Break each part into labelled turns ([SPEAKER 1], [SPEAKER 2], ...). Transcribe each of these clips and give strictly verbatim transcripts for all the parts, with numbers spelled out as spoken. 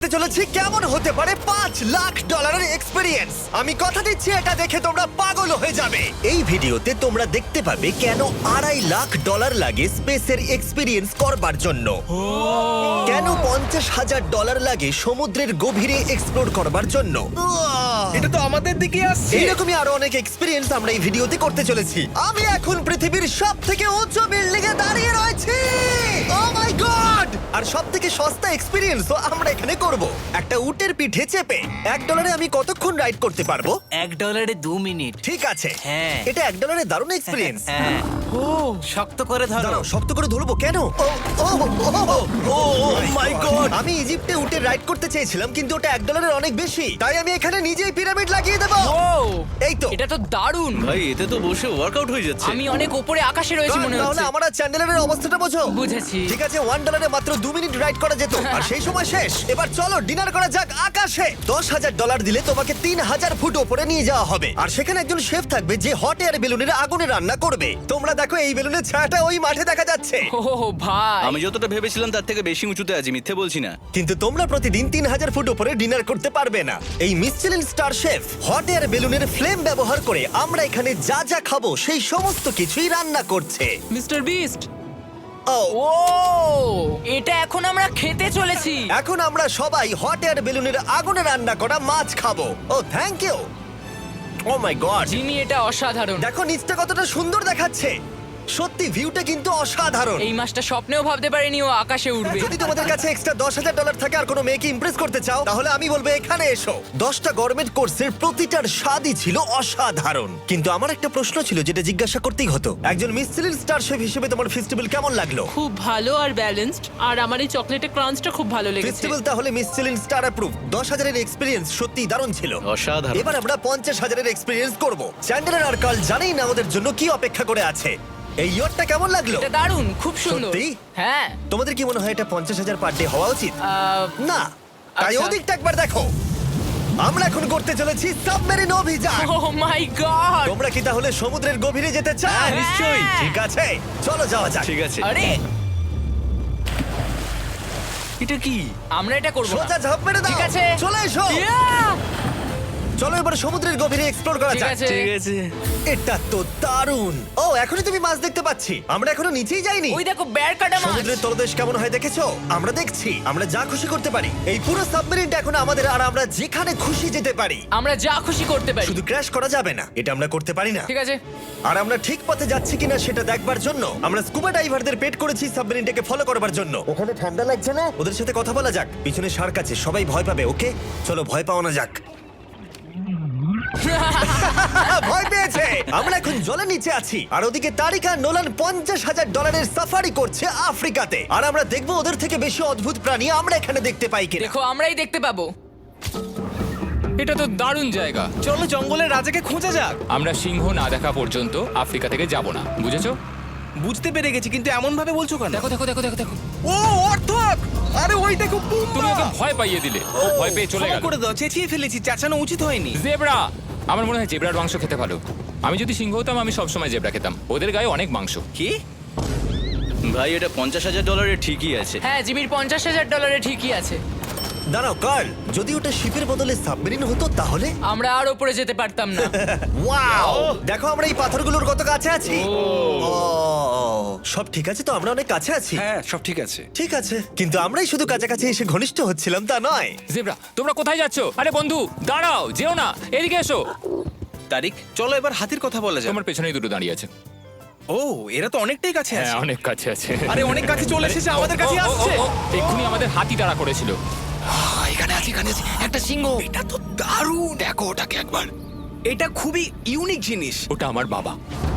[SPEAKER 1] দেখতে চলেছি কেমন হতে পারে পাঁচ লাখ ডলারের এক্সপিরিয়েন্স। আমি কথা দিচ্ছি এটা দেখে তোমরা পাগল হয়ে যাবে। এই ভিডিওতে তোমরা দেখতে পাবে কেন আড়াই লাখ ডলার লাগে স্পেসের এক্সপিরিয়েন্স করবার জন্য, কেন পঞ্চাশ হাজার ডলার লাগে সমুদ্রের গভীরে এক্সপ্লোর করবার জন্য।
[SPEAKER 2] এটা তো আমাদের দিকে আসছে।
[SPEAKER 1] এইরকমই আরো অনেক এক্সপিরিয়েন্স আমরা এই ভিডিওতে করতে চলেছি। আমি এখন পৃথিবীর সব থেকে উঁচু বিল্ডিং এ দাঁড়িয়ে রয়েছি। ও মাই গড! আর সব থেকে সস্তা এক্সপিরিয়েন্সও আমরা এখানে করব। একটা উটের পিঠে চেপে এক ডলারে আমি কতক্ষণ রাইড করতে পারবো?
[SPEAKER 3] এক ডলারে দু মিনিট।
[SPEAKER 1] ঠিক আছে,
[SPEAKER 3] হ্যাঁ।
[SPEAKER 1] এটা এক ডলারে দারুণ এক্সপিরিয়েন্স।
[SPEAKER 3] হ্যাঁ। ও শক্ত করে ধরো।
[SPEAKER 1] দাঁড়াও, শক্ত করে ধরবো কেন? Oh oh oh my god! আমি ইজিপ্টে উটে রাইড করতে চেয়েছিলাম, কিন্তু ওটা এক ডলারের অনেক বেশি, তাই আমি এখানে নিজেই পিরামিড লাগিয়ে দেবো।
[SPEAKER 4] ও
[SPEAKER 1] এই তো।
[SPEAKER 4] এটা তো দারুণ।
[SPEAKER 2] ভাই এতে তো বসে ওয়ার্কআউট হয়ে যাচ্ছে।
[SPEAKER 4] আমি অনেক উপরে আকাশে রয়েছি মনে
[SPEAKER 1] তাহলে
[SPEAKER 4] হচ্ছে।
[SPEAKER 1] আমার আর চ্যান্ডেলের অবস্থাটা বোঝো।
[SPEAKER 4] বুঝেছি।
[SPEAKER 1] ঠিক আছে, ওয়ান ডলারে মাত্র দু মিনিট রাইড করা যেত, আর সেই সময় শেষ। এবার চলো ডিনার করা যাক আকাশে। দশ হাজার ডলার দিলে তোমাকে তিন হাজার ফুট ওপরে নিয়ে যাওয়া হবে, আর সেখানে একজন শেফ থাকবে যে হট এয়ার বেলুনের আগুনে রান্না করবে। তোমরা দেখো এই বেলুনের ছায়াটা ওই মাঠে দেখা যাচ্ছে।
[SPEAKER 4] ও ভাই,
[SPEAKER 2] আমি যতটা ভেবেছিলাম তার থেকে বেশি উঁচুতে আছি, মিথ্যে বলছি না।
[SPEAKER 1] কিন্তু তোমরা প্রতিদিন তিন হাজার ফুট উপরে ডিনার করতে পারবে না। এই Michelin star chef hot air বেলুনের ফ্লেম ব্যবহার করে আমরা এখানে যা যা খাবো সেই সমস্ত কিছুই রান্না করছে।
[SPEAKER 4] Mister beast.
[SPEAKER 1] ও
[SPEAKER 4] ও এটা এখন আমরা খেতে চলেছি।
[SPEAKER 1] এখন আমরা সবাই হট এয়ার বেলুনের আগুনে রান্না করা মাছ খাবো। Oh thank you. Oh my god,
[SPEAKER 4] Jimmy এটা অসাধারণ।
[SPEAKER 1] দেখো নিচটা কতটা সুন্দর দেখাচ্ছে। সত্যি ভিউটা কিন্তু অসাধারণ।
[SPEAKER 4] এই মাসটা স্বপ্নেও ভাবতে পারিনি ও আকাশে উঠবে।
[SPEAKER 1] যদি তোমাদের কাছে এক্সট্রা দশ হাজার ডলার থাকে আর কোনো মেয়েকে ইমপ্রেস করতে চাও, তাহলে আমি বলবো এখানে এসো। দশটা গভর্নমেন্ট কোর্সের প্রতিটার স্বাদই ছিল অসাধারণ। কিন্তু আমার একটা প্রশ্ন ছিল যেটা জিজ্ঞাসা করতেই হতো, একজন মিশেলিন স্টার শেফ হিসেবে তোমার ফেস্টিভ্যাল কেমন লাগলো?
[SPEAKER 5] খুব ভালো আর ব্যালেন্সড, আর আমার এই চকলেটের ক্রাঞ্চটা খুব ভালো লেগেছে।
[SPEAKER 1] ফেস্টিভ্যাল তাহলে মিশেলিন স্টার অ্যাপ্রুভ। দশ হাজারের এক্সপিরিয়েন্স সত্যি দারুণ ছিল।
[SPEAKER 2] অসাধারণ।
[SPEAKER 1] এবার আমরা পঞ্চাশ হাজারের এক্সপিরিয়েন্স করব। চ্যান্ডেলার আর কার্ল জানেই না ওদের জন্য কি অপেক্ষা করে আছে। এই ইয়টটা কেমন লাগলো?
[SPEAKER 4] এটা দারুণ, খুব সুন্দর।
[SPEAKER 1] সত্যি?
[SPEAKER 4] হ্যাঁ।
[SPEAKER 1] তোমাদের কি মনে হয় এটা পঞ্চাশ হাজার পার ডে হওয়া উচিত?
[SPEAKER 4] আহ,
[SPEAKER 1] না, তাই
[SPEAKER 4] আচ্ছা।
[SPEAKER 1] ওদিকটা একবার দেখো। আমরা এখন করতে চলেছি সাবমেরিন অভিযান।
[SPEAKER 4] Oh my god.
[SPEAKER 1] তোমরা কি তাহলে সমুদ্রের গভীরে যেতে চাও?
[SPEAKER 4] হ্যাঁ, নিশ্চয়ই।
[SPEAKER 1] ঠিক আছে, চলো যাওয়া যাক।
[SPEAKER 2] ঠিক আছে।
[SPEAKER 4] আরে
[SPEAKER 2] এটা কি?
[SPEAKER 4] আমরা এটা করব না।
[SPEAKER 1] সোজা ঝাঁপ মেরে দাও।
[SPEAKER 4] ঠিক আছে।
[SPEAKER 1] চলে এসো।
[SPEAKER 4] Yeah!
[SPEAKER 1] চলো এবার সমুদ্রের গভীরে এক্সপ্লোর করা
[SPEAKER 4] ঠিক
[SPEAKER 1] যাক।
[SPEAKER 4] আছে।
[SPEAKER 2] ঠিক আছে।
[SPEAKER 1] এটা তো দারুণ। ও, এখনই তুমি মাছ দেখতে পাচ্ছি। আমরা এখনো নিচেই যাইনি।
[SPEAKER 4] ওই দেখো বের কাটা মাছ।
[SPEAKER 1] সমুদ্রের তলদেশ কেমন হয় দেখেছো? আমরা দেখছি, আমরা যা খুশি করতে পারি। এই পুরো সাবমেরিনটা এখন আমাদের, আর আমরা যেখানে খুশি যেতে পারি।
[SPEAKER 4] আমরা যা খুশি করতে পারি।
[SPEAKER 1] শুধু ক্র্যাশ করা যাবে না, এটা আমরা করতে পারি না।
[SPEAKER 4] ঠিক আছে।
[SPEAKER 1] আর আমরা ঠিক পথে যাচ্ছি কিনা সেটা দেখবার জন্য আমরা স্কুবা ডাইভারদের পেড করেছি সাবমেরিনটাকে ফলো করবার জন্য। ওখানে ঠান্ডা লাগছে না? ওদের সাথে কথা বলা যাক। পিছনে শার্ক আছে, সবাই ভয় পাবে। ওকে চলো, ভয় পাও না যাক। ভয় পেয়েছে। আমরা এখন জলের নিচে আছি, আর ওদিকে তারিকা নোলান পঞ্চাশ হাজার ডলারের সাফারি করছে আফ্রিকাতে। আর আমরা দেখবো ওদের থেকে বেশি অদ্ভুত প্রাণী আমরা এখানে দেখতে পাই কিনা।
[SPEAKER 4] দেখো আমরাই দেখতে পাবো।
[SPEAKER 6] এটা তো দারুণ জায়গা।
[SPEAKER 2] চলো জঙ্গলের রাজাকে খোঁজা যাক।
[SPEAKER 6] আমরা সিংহ না দেখা পর্যন্ত আফ্রিকা থেকে যাব না, বুঝেছো?
[SPEAKER 2] বুঝতে পেরে গেছি, কিন্তু এমন ভাবে বলছো কেন?
[SPEAKER 6] দেখো দেখো দেখো দেখো দেখো
[SPEAKER 2] ও অর্থক! আরে ওই দেখো
[SPEAKER 6] তুমি ওকে ভয় পাইয়ে দিলে, ও ভয় পেয়ে চলে
[SPEAKER 2] ক্ষমা
[SPEAKER 6] গেল।
[SPEAKER 2] করে দাও, চেঁচিয়ে ফেলেছি, চাচানো উচিত হয়নি।
[SPEAKER 6] জেব্রা, আমার মনে হয় জেব্রার মাংস খেতে ভালো। আমি যদি সিংহ হতাম আমি সবসময় জেব্রা খেতাম, ওদের গায়ে অনেক মাংস।
[SPEAKER 2] কি? ভাই এটা পঞ্চাশ হাজার ডলারের ঠিকই আছে।
[SPEAKER 4] হ্যাঁ, জিমির পঞ্চাশ হাজার ডলারে ঠিকই আছে।
[SPEAKER 1] দাঁড়াও কার্ল, যদি ওটা শিপের বদলে সাবমেরিন হতো তাহলে?
[SPEAKER 4] আমরা আর উপরে যেতে পারতাম না।
[SPEAKER 1] ওয়াও, দেখো আমরা এই পাথরগুলোর কত কাছে আছি। ও, সব ঠিক আছে তো? আমরা অনেক কাছে আছি।
[SPEAKER 2] হ্যাঁ সব ঠিক আছে।
[SPEAKER 1] ঠিক আছে, কিন্তু আমরাই শুধু কাছাকাছি এসে ঘনিষ্ঠ হচ্ছিলাম তা নয়।
[SPEAKER 6] জেব্রা, তোমরা কোথায় যাচ্ছো? আরে বন্ধু দাঁড়াও, যেও না, এদিকে এসো।
[SPEAKER 2] তারিক চলো এবার হাতির কথা বলা যাক।
[SPEAKER 6] তোমার পেছনেই দুটো দাঁড়িয়ে আছে।
[SPEAKER 2] ও এরা তো অনেকটাই কাছে
[SPEAKER 6] হ্যাঁ
[SPEAKER 2] আছে।
[SPEAKER 6] অনেক কাছে আছে।
[SPEAKER 2] আরে অনেক কাছে চলে এসেছে, আমাদের কাছে
[SPEAKER 6] ও, ও, ও,
[SPEAKER 2] আসছে।
[SPEAKER 6] ও, এক্ষুনি আমাদের হাতি তাড়া করেছিল।
[SPEAKER 2] এখানে আছে, এখানে আছে একটা সিংহ। এটা তো দারুণ, দেখো ওটাকে একবার। এটা খুবই ইউনিক জিনিস।
[SPEAKER 6] ওটা আমার বাবা।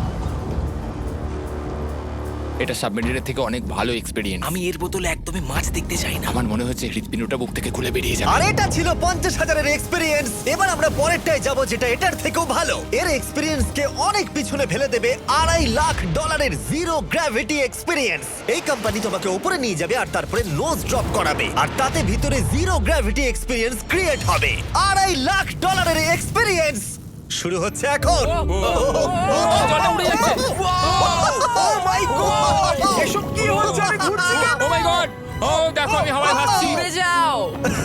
[SPEAKER 6] এটা সাবমেরিনের থেকে অনেক ভালো এক্সপেরিয়েন্স।
[SPEAKER 2] আমি এর বোতলে একদমই মাছ দেখতে চাই না।
[SPEAKER 6] আমার মনে হচ্ছে হৃৎপিণ্ডটা বুক থেকে খুলে বেরিয়ে যাবে।
[SPEAKER 1] আর এটা ছিল পঞ্চাশ হাজারের এক্সপিরিয়েন্স। এবার আমরা পরেরটায় যাব যেটা এটার থেকেও ভালো। এর এক্সপিরিয়েন্স কে অনেক পিছনে ফেলে দেবে আড়াই লাখ ডলারের জিরো গ্র্যাভিটি এক্সপিরিয়েন্স। এই কোম্পানি তোমাকে উপরে নিয়ে যাবে আর তারপরে নোজ ড্রপ করাবে, আর তাতে ভিতরে জিরো গ্র্যাভিটি এক্সপিরিয়েন্স ক্রিয়েট হবে। আড়াই লাখ ডলারের এক্সপিরিয়েন্স শুরু হচ্ছে এখন।
[SPEAKER 6] জলে উড়ে যাচ্ছে।
[SPEAKER 1] Oh my God!
[SPEAKER 2] এসব কি হচ্ছে? আমি ঘুরছি কেন?
[SPEAKER 6] ও মাই গড, ও ও দেখো আমি হাওয়ায় ভাসছি।
[SPEAKER 4] উড়ে যাও।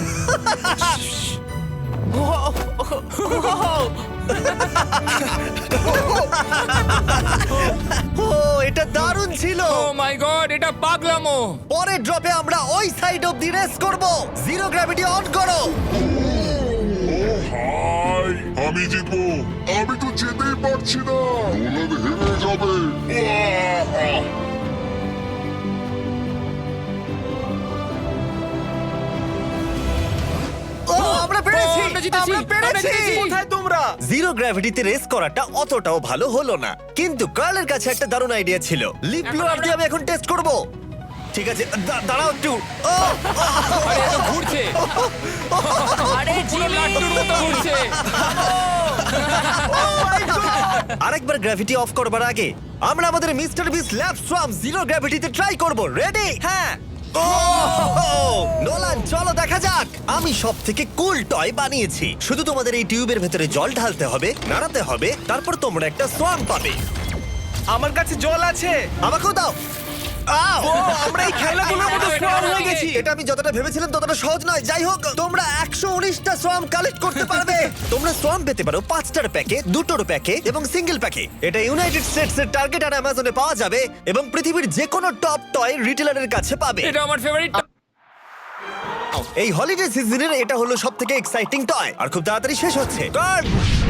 [SPEAKER 1] ও এটা দারুণ ছিল।
[SPEAKER 6] ও মাই গড, এটা পাগলামো।
[SPEAKER 1] পরের ড্রপে আমরা ওই সাইড অফ দি রেস করব। জিরো গ্র্যাভিটি অন করো।
[SPEAKER 7] হাই আমি জিতবো। আমি তো যেতেই পারছি না, নোলান হেরে যাবে। আহ!
[SPEAKER 1] ও আমরা পেরেছি,
[SPEAKER 6] ও, আমরা জিতেছি,
[SPEAKER 1] আমরা পেরেছি।
[SPEAKER 6] আমরা জিতেছি।
[SPEAKER 1] কোথায় তোমরা? জিরো গ্র্যাভিটিতে রেস করাটা অতটাও ভালো হলো না, কিন্তু কার্লের কাছে একটা দারুণ আইডিয়া ছিল। লিপ ব্লোয়ার দিয়ে আমি এখন টেস্ট করব। ঠিক আছে, দা- দাঁড়াও একটু। ও,
[SPEAKER 6] আরে এ তো ঘুরছে,
[SPEAKER 4] আরে
[SPEAKER 6] পুরো
[SPEAKER 4] জিমি,
[SPEAKER 6] লাট্টুর মতো ঘুরছে।
[SPEAKER 1] আরেকবার গ্র্যাভিটি অফ করবার আগে আমরা আমাদের mister beast lab swarm zero গ্র্যাভিটিতে ট্রাই করব। রেডি? হ্যাঁ। ও নোলান, চলো দেখা যাক। আমি সব থেকে কুল টয় বানিয়েছি। শুধু তোমাদের এই টিউবের ভেতরে জল ঢালতে হবে, নাড়াতে হবে, তারপর তোমরা একটা সোয়াম পাবে।
[SPEAKER 3] আমার কাছে জল আছে।
[SPEAKER 1] আমাকেও দাও। আও!
[SPEAKER 3] আমরা এই খেলাগুলোর মধ্যে স্ট্রং হয়ে গেছি।
[SPEAKER 1] এটা আমি যতটা ভেবেছিলাম ততটা সহজ নয়। যাই হোক, তোমরা একশো উনিশটা সোয়াম কালেক্ট করতে পারবে। তোমরা সোয়াম পেতে পারো পাঁচটার প্যাকে, দুটোর প্যাকে এবং সিঙ্গেল প্যাকে। এটা ইউনাইটেড স্টেটস এর টার্গেট আর অ্যামাজনে পাওয়া যাবে এবং পৃথিবীর যে কোনো টপ টয় রিটেলারের কাছে পাবে।
[SPEAKER 6] এটা আমার ফেভারিট।
[SPEAKER 1] এই হলিডে সিজনের এটা হলো সব থেকে এক্সাইটিং টয় আর খুব তাড়াতাড়ি শেষ হচ্ছে। কার্ড!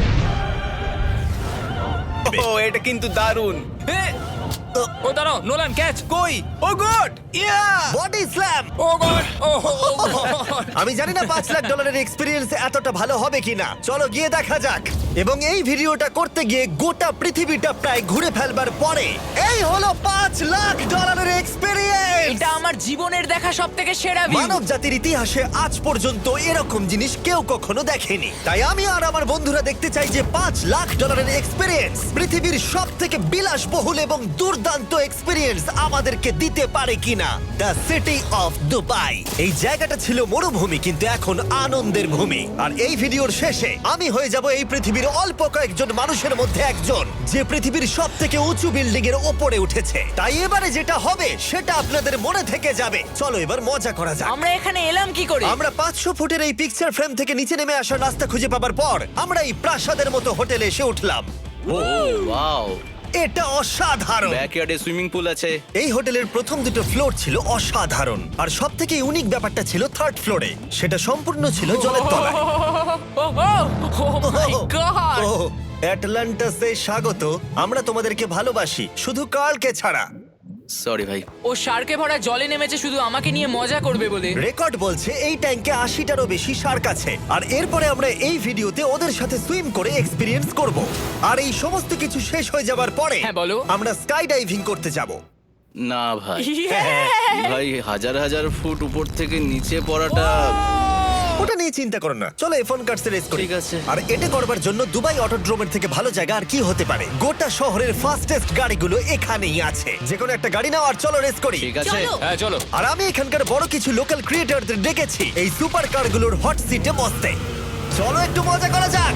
[SPEAKER 3] ও এটা কিন্তু দারুণ।
[SPEAKER 6] ও দাঁড়াও, নোলান ক্যাচ।
[SPEAKER 3] কই? Oh god! Yeah!
[SPEAKER 1] Body slam!
[SPEAKER 6] Oh god, oh god.
[SPEAKER 1] আমি জানি না পাঁচ লাখ ডলারের এক্সপিরিয়েন্স এতটা ভালো হবে কিনা। চলো গিয়ে দেখা যাক। এবং এই ভিডিওটা করতে গিয়ে গোটা পৃথিবীটা প্রায় ঘুরে ফেলবার পরে এই হলো পাঁচ লাখ ডলারের এক্সপিরিয়েন্স।
[SPEAKER 4] এটা আমার জীবনের দেখা সবথেকে সেরা ভিউ।
[SPEAKER 1] মানব জাতির ইতিহাসে আজ পর্যন্ত এরকম জিনিস কেউ কখনো দেখেনি। তাই আমি আর আমার বন্ধুরা দেখতে চাই যে পাঁচ লাখ ডলারের এক্সপিরিয়েন্স পৃথিবীর সব থেকে বিলাসবহুল এবং দুর্দান্ত এক্সপিরিয়েন্স আমাদেরকে দিতে পারে কিনা। The city of Dubai. এই জায়গাটা ছিল মরুভূমি, কিন্তু এখন আনন্দের ভূমি। আর এই ভিডিওর শেষে আমি হয়ে যাব এই পৃথিবীর অল্প কয়েকজন মানুষের মধ্যে একজন, যে পৃথিবীর সব থেকে উঁচু বিল্ডিং এর ওপরে উঠেছে। তাই এবারে যেটা হবে সেটা আপনাদের মনে থেকে যাবে। চলো এবার মজা করা যাক।
[SPEAKER 4] আমরা এখানে এলাম কি করে?
[SPEAKER 1] আমরা পাঁচশো ফুটের এই পিকচার ফ্রেম থেকে নিচে নেমে আসার রাস্তা খুঁজে পাবার পর আমরা এই প্রাসাদের মতো হোটেলে এসে উঠলাম।
[SPEAKER 3] ওয়াও!
[SPEAKER 1] এটা অসাধারণ।
[SPEAKER 3] ব্যাকইয়ার্ডে সুইমিং পুল আছে।
[SPEAKER 1] এই হোটেলের প্রথম দুটো ফ্লোর ছিল অসাধারণ, আর সব থেকে ইউনিক ব্যাপারটা ছিল থার্ড ফ্লোরে। সেটা সম্পূর্ণ ছিল জলের তলায়।
[SPEAKER 4] ও মাই গড!
[SPEAKER 1] ও অ্যাটলান্টাসে স্বাগত। আমরা তোমাদেরকে ভালোবাসি, শুধু কার্লকে ছাড়া।
[SPEAKER 3] সরি ভাই।
[SPEAKER 4] ও শার্কে ভরা জলে নেমেছে শুধু আমাকে নিয়ে মজা করবে বলে।
[SPEAKER 1] রেকর্ড বলছে এই ট্যাঙ্কে আশিটারও বেশি শার্ক আছে। আর এরপরে আমরা এই ভিডিওতে ওদের সাথে সুইম করে এক্সপিরিয়েন্স করব। আর এই সমস্ত কিছু শেষ হয়ে যাবার পরে
[SPEAKER 4] হ্যাঁ, বলো।
[SPEAKER 1] আমরা স্কাই ডাইভিং করতে যাব।
[SPEAKER 3] না ভাই,
[SPEAKER 1] হ্যাঁ,
[SPEAKER 3] ভাই হাজার হাজার ফুট উপর থেকে নিচে পড়াটা।
[SPEAKER 1] ওটা নিয়ে চিন্তা করো না, চলো এফোন কার্ডস রেস করি।
[SPEAKER 3] ঠিক আছে।
[SPEAKER 1] আর এটা করবার জন্য দুবাই অটোড্রোমের থেকে ভালো জায়গা আর কি হতে পারে। গোটা শহরের ফাস্টেস্ট গাড়িগুলো এখানেই আছে। যে কোনো একটা গাড়ি নাও আর চলো রেস করি।
[SPEAKER 3] ঠিক আছে।
[SPEAKER 6] হ্যাঁ চলো।
[SPEAKER 1] আর আমি এখানকার বড় কিছু লোকাল ক্রিয়েটরদের ডেকেছি এই সুপার কারগুলোর হট সিটে বসতে। চলো একটু মজা করা যাক।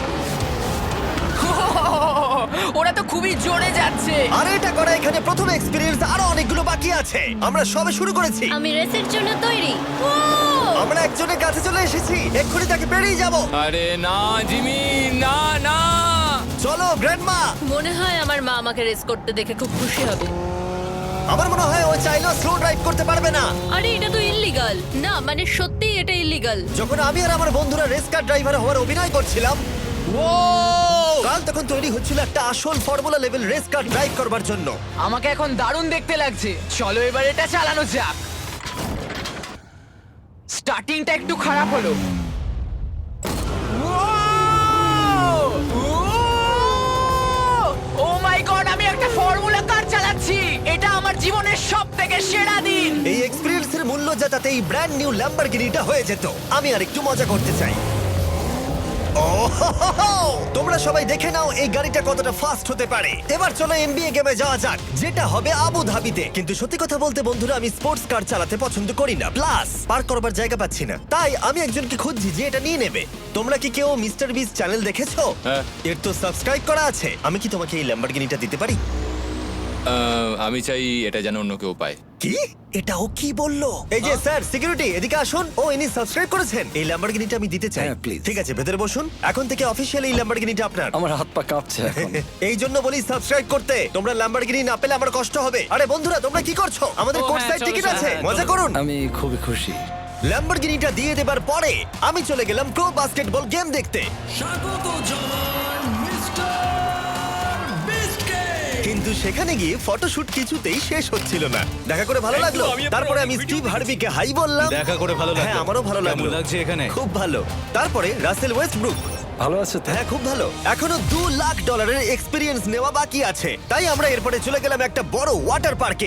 [SPEAKER 4] ওরা তো খুবই জোরে যাচ্ছে।
[SPEAKER 1] আর এটা করা এখানে প্রথম এক্সপিরিয়েন্স, আরো অনেকগুলো বাকি আছে। আমরা সবে শুরু করেছি।
[SPEAKER 8] আমি রেসের জন্য তৈরি।
[SPEAKER 1] আমরা একজনের কাছে চলে এসেছি, এক্ষুনি তাকে পেরিয়ে যাব।
[SPEAKER 6] আরে না জিমি, না না।
[SPEAKER 1] চলো গ্র্যান্ডমা।
[SPEAKER 8] মনে হয় আমার মা আমাকে রেস করতে দেখে খুব খুশি হবে।
[SPEAKER 1] আমার মনে হয় ও চাইলেও স্লো ড্রাইভ করতে পারবে না।
[SPEAKER 8] আরে এটা তো ইল্লিগাল। না মানে সত্যি এটা ইল্লিগাল।
[SPEAKER 1] যখন আমি আর আমার বন্ধুরা রেস কার ড্রাইভার হওয়ার অভিনয় করছিলাম, কাল তখন তৈরি হচ্ছিল একটা আসল formula level race car drive করবার জন্য।
[SPEAKER 4] আমাকে এখন দারুণ দেখতে লাগছে। চলো এবার এটা চালানো যাক। স্টার্টিংটা একটু খারাপ হলো। ও মাই গড, আমি একটা ফর্মুলা কার চালাচ্ছি। এটা আমার জীবনের সবথেকে সেরা দিন।
[SPEAKER 1] এই এক্সপেরিয়েন্সের মূল্য যা তাতে এই ব্র্যান্ড নিউ ল্যাম্বরগিনিটা হয়ে যেত। আমি আর একটু মজা করতে চাই। ও হো হো হো! তোমরা সবাই দেখে নাও এই গাড়িটা কতটা ফাস্ট হতে পারে। এবার চলো এনবিএ গেমে যাওয়া যাক, যেটা হবে আবু ধাবিতে। কিন্তু সত্যি কথা বলতে বন্ধুরা, আমি স্পোর্টস কার চালাতে পছন্দ করি না, প্লাস পার্ক করবার জায়গা পাচ্ছি না। তাই আমি একজনকে খুঁজছি যে এটা নিয়ে নেবে। তোমরা কি কেউ মিস্টার বিস চ্যানেল দেখেছো?
[SPEAKER 6] হ্যাঁ।
[SPEAKER 1] এর তো সাবস্ক্রাইব করা আছে। আমি কি তোমাকে এই ল্যাম্বরগিনিটা দিতে পারি?
[SPEAKER 6] আহ, আমি চাই এটা যেন অন্য কেউ পায়।
[SPEAKER 1] কি এটা ও কি বললো? এই যে স্যার সিকিউরিটি এদিকে আসুন। ও ইনি সাবস্ক্রাইব করেছেন। এই ল্যাম্বরগিনিটা আমি দিতে চাই।
[SPEAKER 9] হ্যাঁ, please.
[SPEAKER 1] ঠিক আছে, ভেতরে বসুন। এখন থেকে অফিসিয়ালি এই ল্যাম্বরগিনিটা আপনার।
[SPEAKER 9] আমার হাত পা কাঁপছে এখন।
[SPEAKER 1] এই জন্য বলি সাবস্ক্রাইব করতে। তোমরা ল্যাম্বরগিনি না পেলে আমার কষ্ট হবে। আরে বন্ধুরা, তোমরা কি করছো? আমাদের
[SPEAKER 5] ও,
[SPEAKER 1] কোর্ট
[SPEAKER 5] হ্যাঁ,
[SPEAKER 1] সাইড
[SPEAKER 5] চলো,
[SPEAKER 1] টিকিট
[SPEAKER 5] চলো,
[SPEAKER 1] আছে,
[SPEAKER 5] হ্যাঁ,
[SPEAKER 1] মজা
[SPEAKER 5] চলো।
[SPEAKER 1] করুন।
[SPEAKER 9] আমি খুবই খুশি।
[SPEAKER 1] ল্যাম্বরগিনিটা দিয়ে দেবার পরে আমি চলে গেলাম প্রো বাস্কেটবল গেম দেখতে। কিন্তু সেখানে গিয়ে ফটোশুট কিছুতেই শেষ হচ্ছিল না। দেখা করে ভালো লাগলো। তারপরে আমি স্টিভ হার্ভিকে হাই বললাম।
[SPEAKER 3] দেখা করে ভালো লাগলো।
[SPEAKER 1] হ্যাঁ, আমারও ভালো
[SPEAKER 3] কেমন
[SPEAKER 1] লাগলো।
[SPEAKER 3] লাগছে এখানে?
[SPEAKER 1] খুব ভালো। তারপরে রাসেল ওয়েস্টব্রুক।
[SPEAKER 9] ভালো আছে তো?
[SPEAKER 1] হ্যাঁ, খুব ভালো। এখনো দু লাখ ডলারের এক্সপিরিয়েন্স নেওয়া বাকি আছে। তাই আমরা এরপরে চলে গেলাম একটা বড় ওয়াটার পার্কে।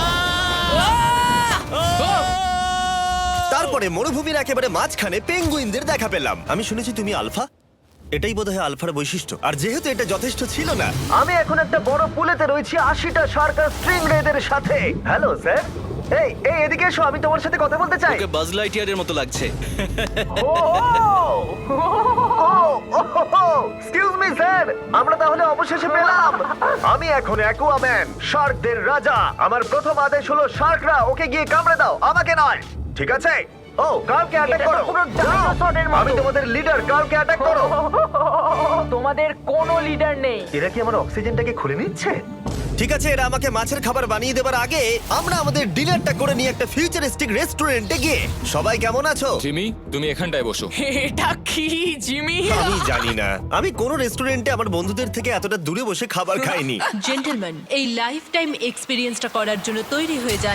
[SPEAKER 1] তারপরে মরুভূমির একেবারে মাঝখানে পেঙ্গুইনদের দেখা পেলাম। আমি শুনেছি তুমি আলফা। এটাই বোধহয় আলফার বৈশিষ্ট্য। আর যেহেতু এটা যথেষ্ট ছিল না, আমি এখন একটা বড় পুলেতে রয়েছি আশিটা শার্ক আর স্ট্রিং রেদের সাথে। Hello sir. এই এই এদিকে এসো, আমি তোমার সাথে কথা বলতে চাই।
[SPEAKER 3] ওকে বাজ লাইটইয়ারের মতো লাগছে।
[SPEAKER 1] এক্সকিউজ মি স্যার, আমরা তাহলে অবশেষে পেলাম। আমি এখন অ্যাকুয়াম্যান, শার্কদের রাজা। আমার প্রথম আদেশ হলো শার্করা ওকে গিয়ে কামড়ে দাও, আমাকে নয়। ঠিক আছে? ও, কার্লকে অ্যাটাক করো। আমি তোমাদের লিডার, কার্লকে অ্যাটাক করো।
[SPEAKER 4] তোমাদের কোনো লিডার নেই।
[SPEAKER 1] এরা কি আমার অক্সিজেনটাকে খুলে নিচ্ছে? ঠিক আছে, এরা আমাকে মাছের খাবার বানিয়ে দেবার আগে আমরা আমাদের ডিনারটা করে নিয়ে একটা ফিউচারিস্টিক রেস্টুরেন্টে গিয়ে। সবাই কেমন আছো?
[SPEAKER 6] জিমি, তুমি এখানটায় বসো।
[SPEAKER 4] এটা কি জিমি?
[SPEAKER 1] আমি জানি না, আমি কোন রেস্টুরেন্টে আমার বন্ধুদের থেকে এতটা দূরে বসে খাবার খাইনি।
[SPEAKER 8] জেন্টলম্যান, এই লাইফ টাইম এক্সপিরিয়েন্সটা করার জন্য তৈরি হয়ে যান।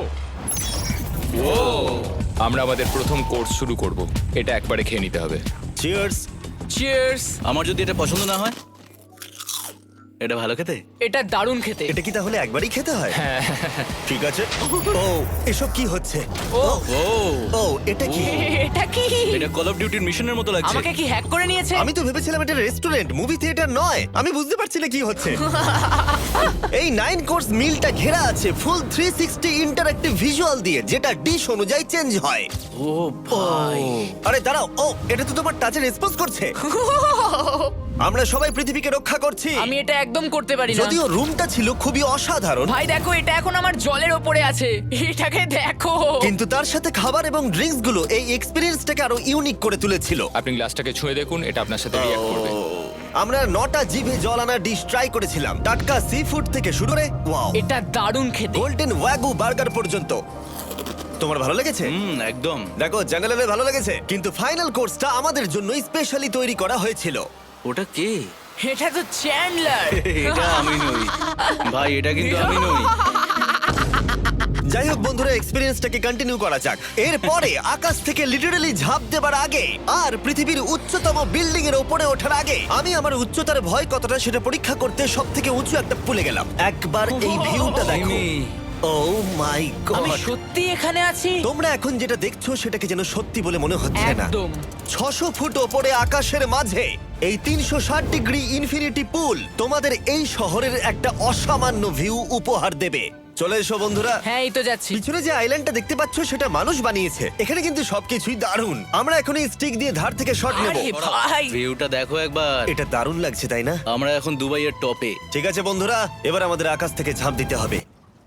[SPEAKER 6] আমরা আমাদের প্রথম কোর্স শুরু করব। এটা একবারে খেয়ে নিতে হবে।
[SPEAKER 1] চিয়ার্স।
[SPEAKER 4] চিয়ার্স।
[SPEAKER 3] আমার যদি এটা পছন্দ না হয়? এটা ভালো খেতে?
[SPEAKER 4] এটা দারুণ খেতে।
[SPEAKER 1] এটা কি তাহলে একবারই খেতে হয়? ঠিক আছে। ও, এসব কি হচ্ছে?
[SPEAKER 4] ও
[SPEAKER 3] ও
[SPEAKER 1] ও, এটা কি?
[SPEAKER 4] এটা কি?
[SPEAKER 3] এটা কল অফ ডিউটির মিশনের মতো লাগছে।
[SPEAKER 4] আমাকে কি হ্যাক করে নিয়েছে?
[SPEAKER 1] আমি তো ভেবেছিলাম এটা রেস্টুরেন্ট, মুভি থিয়েটার নয়। আমি বুঝতে পারছি না কি হচ্ছে। এই নাইন কোর্স মিলটা ঘেরা আছে full three sixty interactive visual দিয়ে, যেটা ডিশ অনুযায়ী চেঞ্জ হয়।
[SPEAKER 3] ও ভাই,
[SPEAKER 1] আরে দাঁড়াও, ও এটা তো তোমার টাচে রেসপন্স করছে। আমরা সবাই পৃথিবীকে রক্ষা করছি।
[SPEAKER 4] আমি এটা একদম করতে পারি না।
[SPEAKER 1] যদিও রুমটা ছিল খুবই অসাধারণ,
[SPEAKER 4] ভাই দেখো, এটা এখন আমার জলের ওপরে আছে। এটাকে দেখো।
[SPEAKER 1] কিন্তু তার সাথে খাবার এবং ড্রিঙ্কস গুলো এই এক্সপেরিয়েন্সটাকে আরো ইউনিক করে তুলেছিল।
[SPEAKER 6] আপনি গ্লাসটাকে ছুঁয়ে দেখুন, এটা আপনার সাথে রিঅ্যাক্ট করবে।
[SPEAKER 1] আমরা নটা জিভে জল আনা ডিশ ট্রাই করেছিলাম, টাটকা সি ফুড থেকে শুরু করে ওয়াও,
[SPEAKER 4] এটা দারুণ খেতে।
[SPEAKER 1] গোল্ডেন ওয়াগু বার্গার পর্যন্ত। তোমার ভালো লেগেছে?
[SPEAKER 3] হুম, একদম।
[SPEAKER 1] দেখো, জেনারেলে ভালো লেগেছে, কিন্তু ফাইনাল কোর্সটা আমাদের জন্য স্পেশালি তৈরি করা হয়েছিল।
[SPEAKER 3] ওটা কে?
[SPEAKER 4] এটা তো চ্যান্ডলার।
[SPEAKER 3] এটা আমি নই ভাই, এটা কিন্তু আমি নই।
[SPEAKER 1] যাই হোক বন্ধুরা, এক্সপেরিয়েন্সটাকে কন্টিনিউ করা যাক। এরপরে আকাশ থেকে লিটারালি ঝাঁপ দেবার আগে আর পৃথিবীর উচ্চতম বিল্ডিং এর উপরে ওঠার আগে আমি আমার উচ্চতার ভয় কতটা সেটা পরীক্ষা করতে সব থেকে উঁচু একটা পুলে গেলাম। একবার এই ভিউটা দেখো।
[SPEAKER 3] জিমি।
[SPEAKER 1] ও মাই
[SPEAKER 4] আমি
[SPEAKER 1] গড!
[SPEAKER 4] সত্যি এখানে আছি।
[SPEAKER 1] তোমরা এখন যেটা দেখছো সেটাকে যেন সত্যি বলে মনে হচ্ছে না।
[SPEAKER 4] একদম।
[SPEAKER 1] ছশো ফুট ওপরে আকাশের মাঝে এই তিনশো ষাট ডিগ্রি ইনফিনিটি পুল তোমাদের এই শহরের একটা অসামান্য ভিউ উপহার দেবে। চলে এসো বন্ধুরা।
[SPEAKER 4] হ্যাঁ, এই তো যাচ্ছি।
[SPEAKER 1] পিছনে যে আইল্যান্ডটা দেখতে পাচ্ছ সেটা মানুষ বানিয়েছে। এখানে কিন্তু সবকিছুই দারুণ। আমরা এখন এই স্টিক দিয়ে ধার থেকে শট নেব।
[SPEAKER 4] আরে ভাই,
[SPEAKER 3] ভিউটা দেখো একবার।
[SPEAKER 1] এটা দারুণ লাগছে, তাই না?
[SPEAKER 3] আমরা এখন দুবাইয়ের টপে।
[SPEAKER 1] ঠিক আছে বন্ধুরা, এবার আমাদের আকাশ থেকে ঝাঁপ দিতে হবে।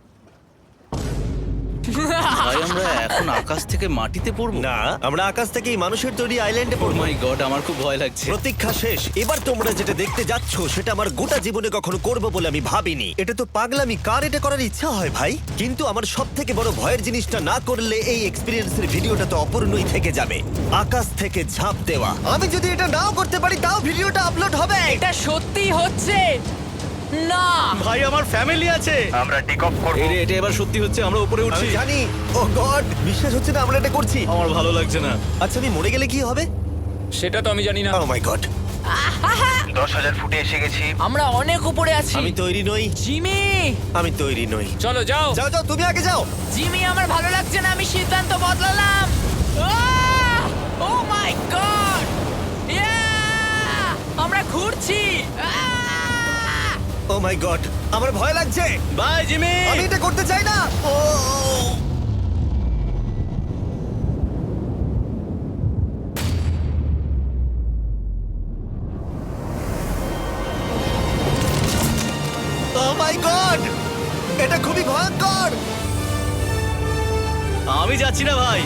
[SPEAKER 3] ভাই, আমরা এখন আকাশ থেকে মাটিতে পড়বো?
[SPEAKER 1] না, আমরা আকাশ থেকে এই মানুষের তৈরি আইল্যান্ডে
[SPEAKER 3] ও
[SPEAKER 1] পড়বো।
[SPEAKER 3] মাই গড, আমার খুব ভয় লাগছে।
[SPEAKER 1] প্রতীক্ষা শেষ। এবার তোমরা যেটা দেখতে যাচ্ছ সেটা আমার গোটা জীবনে কখনো করবো বলে আমি ভাবিনি। এটা তো পাগলামি, কার এটা করার ইচ্ছা হয় ভাই? কিন্তু আমার সব থেকে বড় ভয়ের জিনিসটা না করলে এই এক্সপিরিয়েন্সের ভিডিওটা তো অপূর্ণই থেকে যাবে। আকাশ থেকে ঝাঁপ দেওয়া। আমি যদি এটা নাও করতে পারি তাও ভিডিওটা আপলোড হবে।
[SPEAKER 4] এটা সত্যি হচ্ছে না।
[SPEAKER 3] ভাই, আমার ফ্যামিলি আছে।
[SPEAKER 1] আমরা টেক অফ করব।
[SPEAKER 3] এই রে, এটা এবার সত্যি হচ্ছে, আমরা উপরে উঠছি।
[SPEAKER 1] আমি জানি। ও গড, বিশ্বাস হচ্ছে না আমরা এটা করছি।
[SPEAKER 3] আমার ভালো লাগছে না।
[SPEAKER 1] আচ্ছা, আমি মরে গেলে কি হবে?
[SPEAKER 6] সেটা তো আমি জানি না।
[SPEAKER 1] ও মাই গড, দশ হাজার ফুটে এসে গেছি।
[SPEAKER 4] আমরা অনেক উপরে আছি।
[SPEAKER 1] আমি তৈরি নই,
[SPEAKER 4] জিমি,
[SPEAKER 1] আমি তৈরি নই।
[SPEAKER 6] চলো যাও।
[SPEAKER 1] যাও যাও, তুমি আগে যাও।
[SPEAKER 4] জিমি, আমার ভালো লাগছে না। আমি সিদ্ধান্ত বদলালাম। ও মাই গড, আমরা ঘুরছি।
[SPEAKER 1] ও মাই গড, আমার ভয় লাগছে।
[SPEAKER 3] Bye Jimmy.
[SPEAKER 1] আমি এটা করতে চাই না। ও ও মাই গড, এটা খুবই ভয়ঙ্কর।
[SPEAKER 3] আমি যাচ্ছি না ভাই।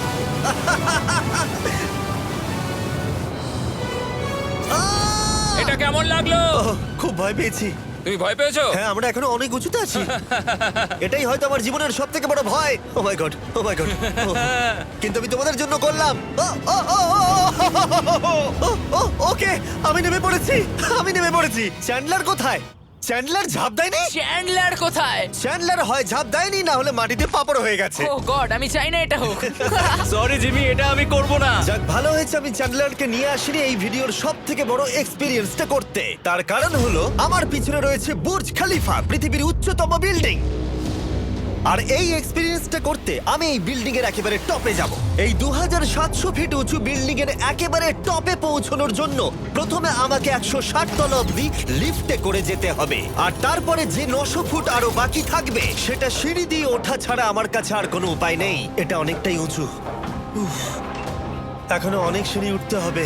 [SPEAKER 1] আহ!
[SPEAKER 6] এটা কেমন লাগলো?
[SPEAKER 1] ওহ, খুব ভয় পেয়েছি।
[SPEAKER 6] তুমি ভয় পেয়েছো?
[SPEAKER 1] হ্যাঁ, আমরা এখনো অনেক উঁচুতে আছি। এটাই হয়তো আমার জীবনের সব থেকে বড় ভয়। Oh my god, oh my god. কিন্তু আমি তোমাদের জন্য করলাম। ও, oh, oh, oh, oh, oh, ও, ওকে, আমি নেমে পড়েছি। আমি নেমে পড়েছি। চ্যান্ডলার কোথায়? চ্যান্ডলার ঝাঁপ দেয়নি?
[SPEAKER 4] চ্যান্ডলার কোথায়?
[SPEAKER 1] চ্যান্ডলার হয় ঝাঁপ দেয়নি, না হলে মাটিতে পাপড় হয়ে গেছে।
[SPEAKER 4] ও গড, আমি চাই না এটা হোক।
[SPEAKER 3] সরি জিমি, এটা আমি করব না।
[SPEAKER 1] যাক, ভালো হয়েছে আমি চ্যান্ডলারকে নিয়ে আসিনি এই ভিডিওর সব থেকে বড় এক্সপিরিয়েন্সটা করতে। তার কারণ হলো আমার পিছনে রয়েছে বুর্জ খলিফা, পৃথিবীর উচ্চতম বিল্ডিং। আর এই এক্সপিরিয়েন্সটা করতে আমি এই বিল্ডিং এর একেবারে টপে যাব। এই দু হাজার সাতশো ফিট উঁচু বিল্ডিং এর একেবারে টপে পৌঁছানোর জন্য প্রথমে আমাকে একশো ষাট তলা অব্দি লিফটে করে যেতে হবে, আর তারপরে যে নশো ফুট আরো বাকি থাকবে সেটা সিঁড়ি দিয়ে ওঠা ছাড়া আমার কাছে আর কোনো উপায় নেই। এটা অনেকটাই উঁচু। উফ, এখনো অনেক সিঁড়ি উঠতে হবে।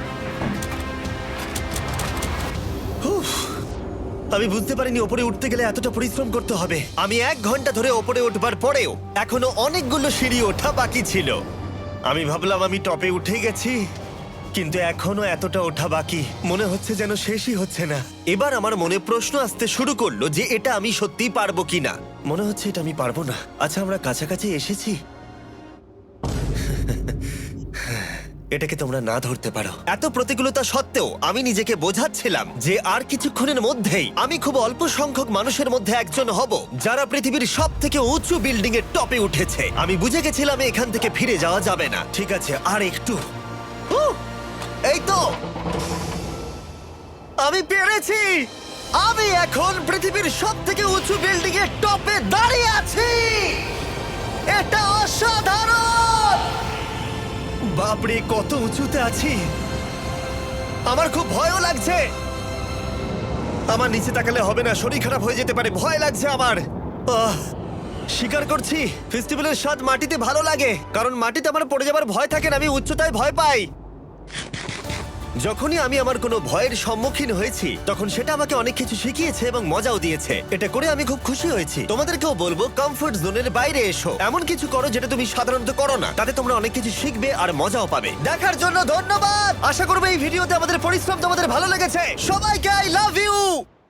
[SPEAKER 1] উফ, আমি বুঝতে পারিনি ওপরে উঠতে গেলে এতটা পরিশ্রম করতে হবে। আমি এক ঘন্টা ধরে ওপরে উঠবার পরেও এখনো অনেকগুলো সিঁড়ি ওঠা বাকি ছিল। আমি ভাবলাম আমি টপে উঠে গেছি, কিন্তু এখনো এতটা ওঠা বাকি। মনে হচ্ছে যেন শেষই হচ্ছে না। এবার আমার মনে প্রশ্ন আসতে শুরু করলো যে এটা আমি সত্যিই পারবো কিনা। মনে হচ্ছে এটা আমি পারবো না। আচ্ছা, আমরা কাছাকাছি এসেছি। এটাকে তোমরা না ধরতে পারো। এত প্রতিকূলতা সত্ত্বেও আমি নিজেকে বোঝাচ্ছিলাম যে আর কিছুক্ষণের মধ্যেই আমি খুব অল্প সংখ্যক মানুষের মধ্যে একজন হব যারা পৃথিবীর সব থেকে উঁচু বিল্ডিং এর টপে উঠেছে। আমি বুঝে গেছিলাম এখান থেকে ফিরে যাওয়া যাবে না। ঠিক আছে, আর একটু। উহ, এই তো, আমি পেরেছি। আমি এখন পৃথিবীর সব থেকে উঁচু বিল্ডিং এর টপে দাঁড়িয়ে আছি। এটা অসাধারণ। বাপরে, কত উঁচুতে আছি! আমার খুব ভয়ও লাগছে। আমার নিচে তাকালে হবে না, শরীর খারাপ হয়ে যেতে পারে। ভয় লাগছে আমার। আহ, স্বীকার করছি, ফেস্টিভ্যালের স্বাদ মাটিতে ভালো লাগে, কারণ মাটিতে আমার পড়ে যাবার ভয় থাকে না। আমি উচ্চতায় ভয় পাই। যখনই আমি আমার কোনো ভয়ের সম্মুখীন হয়েছি তখন সেটা আমাকে অনেক কিছু শিখিয়েছে এবং মজাও দিয়েছে। এটা করে আমি খুব খুশি হয়েছি। তোমাদেরকেও বলবো, কমফোর্ট জোনের বাইরে এসো, এমন কিছু করো যেটা তুমি সাধারণত করো না। তাতে তোমরা অনেক কিছু শিখবে আর মজাও পাবে। দেখার জন্য ধন্যবাদ। আশা করবো এই ভিডিওতে আমাদের পরিশ্রম তোমাদের ভালো লেগেছে। সবাইকে আই লাভ ইউ।